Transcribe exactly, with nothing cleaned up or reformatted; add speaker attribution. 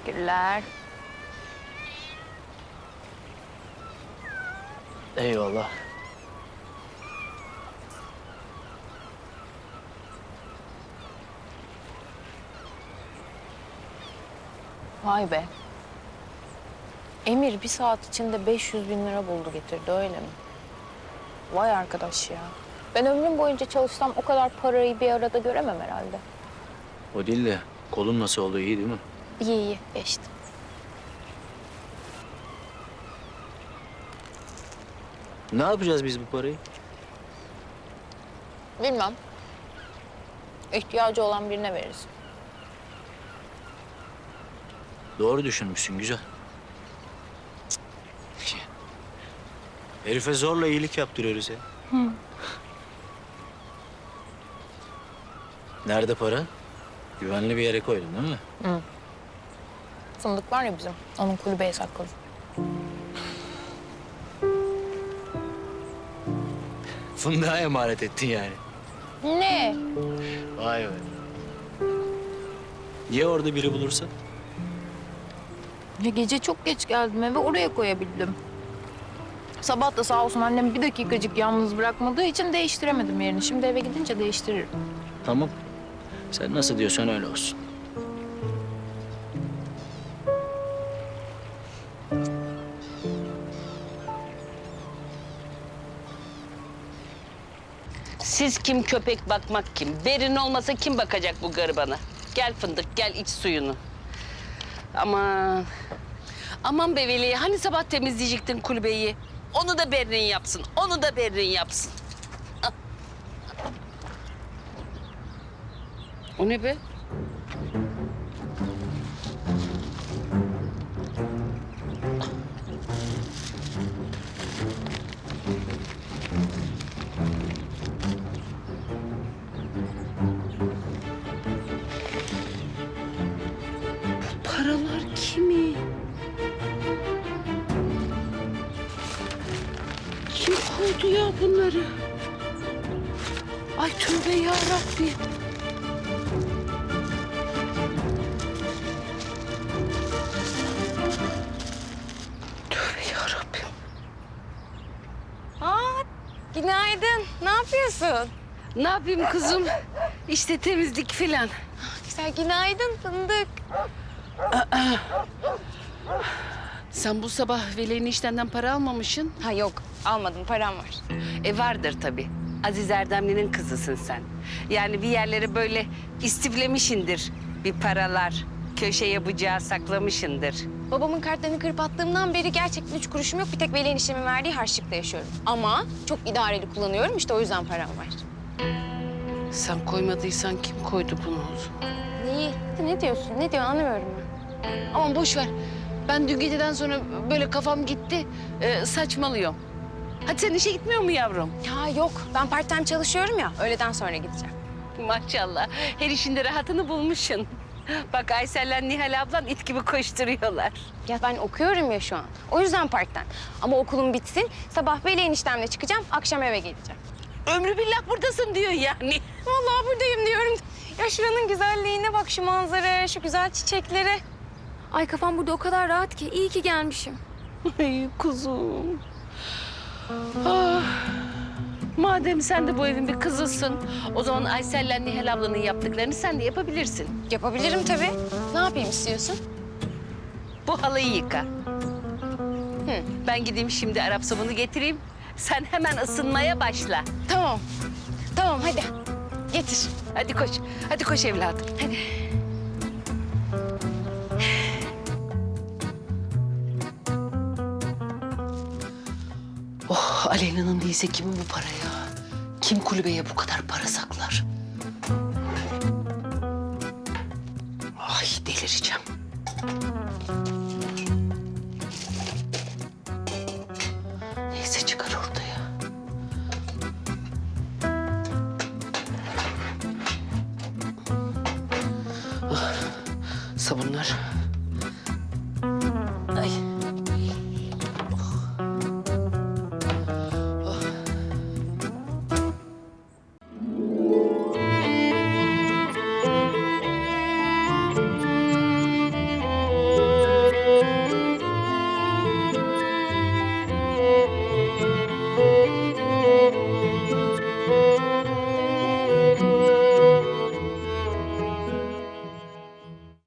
Speaker 1: Teşekkürler.
Speaker 2: Eyvallah.
Speaker 1: Vay be. Emir bir saat içinde beş yüz bin lira buldu getirdi, öyle mi? Vay arkadaş ya. Ben ömrüm boyunca çalışsam o kadar parayı bir arada göremem herhalde.
Speaker 2: O değil de kolun nasıl oldu, iyi değil mi?
Speaker 1: İyi iyi geçti.
Speaker 2: Ne yapacağız biz bu parayı?
Speaker 1: Bilmem. İhtiyacı olan birine veririz.
Speaker 2: Doğru düşünmüşsün, güzel. Cık. Herife zorla iyilik yaptırıyoruz ya.
Speaker 1: Hı.
Speaker 2: Nerede para? Güvenli bir yere koydun değil mi?
Speaker 1: Hı. Fındık var ya bizim, onun kulübeye sakladı.
Speaker 2: Fındığa emanet ettin yani.
Speaker 1: Ne?
Speaker 2: Vay be. Niye orada biri bulursa?
Speaker 1: Ya gece çok geç geldim eve, oraya koyabildim. Sabah da sağ olsun annem bir dakikacık yalnız bırakmadığı için değiştiremedim yerini. Şimdi eve gidince değiştiririm.
Speaker 2: Tamam. Sen nasıl diyorsan öyle olsun.
Speaker 3: Siz kim, köpek bakmak kim? Berin olmasa kim bakacak bu garibana? Gel fındık, gel iç suyunu. Aman. Aman be Veli, hani sabah temizleyecektin kulübeyi? Onu da Berin yapsın, onu da Berin yapsın. Ah. O ne be? Paralar kimi? Kim koydu ya bunları? Ay tövbe ya Rabbi. Tövbe ya Rabbim.
Speaker 4: Aa, günaydın. Ne yapıyorsun?
Speaker 3: Ne yapayım kızım? İşte temizlik filan.
Speaker 4: Güzel, günaydın fındık.
Speaker 3: Sen bu sabah Veli'nin işlerinden para almamışsın.
Speaker 4: Ha yok, almadım. Param var.
Speaker 3: E vardır tabii. Aziz Erdemli'nin kızısın sen. Yani bir yerlere böyle istiflemişindir bir paralar. Köşeye bıçağı saklamışındır.
Speaker 4: Babamın kartlarını kırıp attığımdan beri gerçekten üç kuruşum yok. Bir tek Veli eniştemin verdiği harçlıkla yaşıyorum. Ama çok idareli kullanıyorum. İşte o yüzden param var.
Speaker 3: Sen koymadıysan kim koydu bunu o zaman?
Speaker 4: Neyi? Ne diyorsun? Ne diyorsun? Anlamıyorum ben.
Speaker 3: Aman boş ver. Ben dün geceden sonra böyle kafam gitti. Ee, saçmalıyorum. Hadi sen işe gitmiyor mu yavrum?
Speaker 4: Ya yok. Ben part time çalışıyorum ya. Öğleden sonra gideceğim.
Speaker 3: Maşallah. Her işinde rahatını bulmuşsun. Bak Aysel'le Nihal ablan it gibi koşturuyorlar.
Speaker 4: Ya ben okuyorum ya şu an. O yüzden part time. Ama okulum bitsin. Sabah Veli eniştemle çıkacağım. Akşam eve geleceğim.
Speaker 3: Ömrü billah buradasın diyor yani.
Speaker 4: Vallahi buradayım diyorum. Ya şuranın güzelliğine bak, şu manzaraya, şu güzel çiçeklere. Ay kafam burada o kadar rahat ki. İyi ki gelmişim.
Speaker 3: Ay kuzum. Ah. Madem sen de bu evin bir kızısın, o zaman Aysel'le Nihal ablanın yaptıklarını sen de yapabilirsin.
Speaker 4: Yapabilirim tabii. Ne yapayım istiyorsun?
Speaker 3: Bu halıyı yıka.
Speaker 4: Hı.
Speaker 3: Ben gideyim şimdi Arap sabunu getireyim. Sen hemen ısınmaya başla.
Speaker 4: Tamam. Tamam hadi. Getir.
Speaker 3: Hadi koş, hadi koş evladım.
Speaker 4: Hadi.
Speaker 3: Oh, Aleyna'nın değilse kimin bu para ya? Kim kulübeye bu kadar para saklar? Ay delireceğim. Neyse çıkar ortaya. Ah, sabunlar.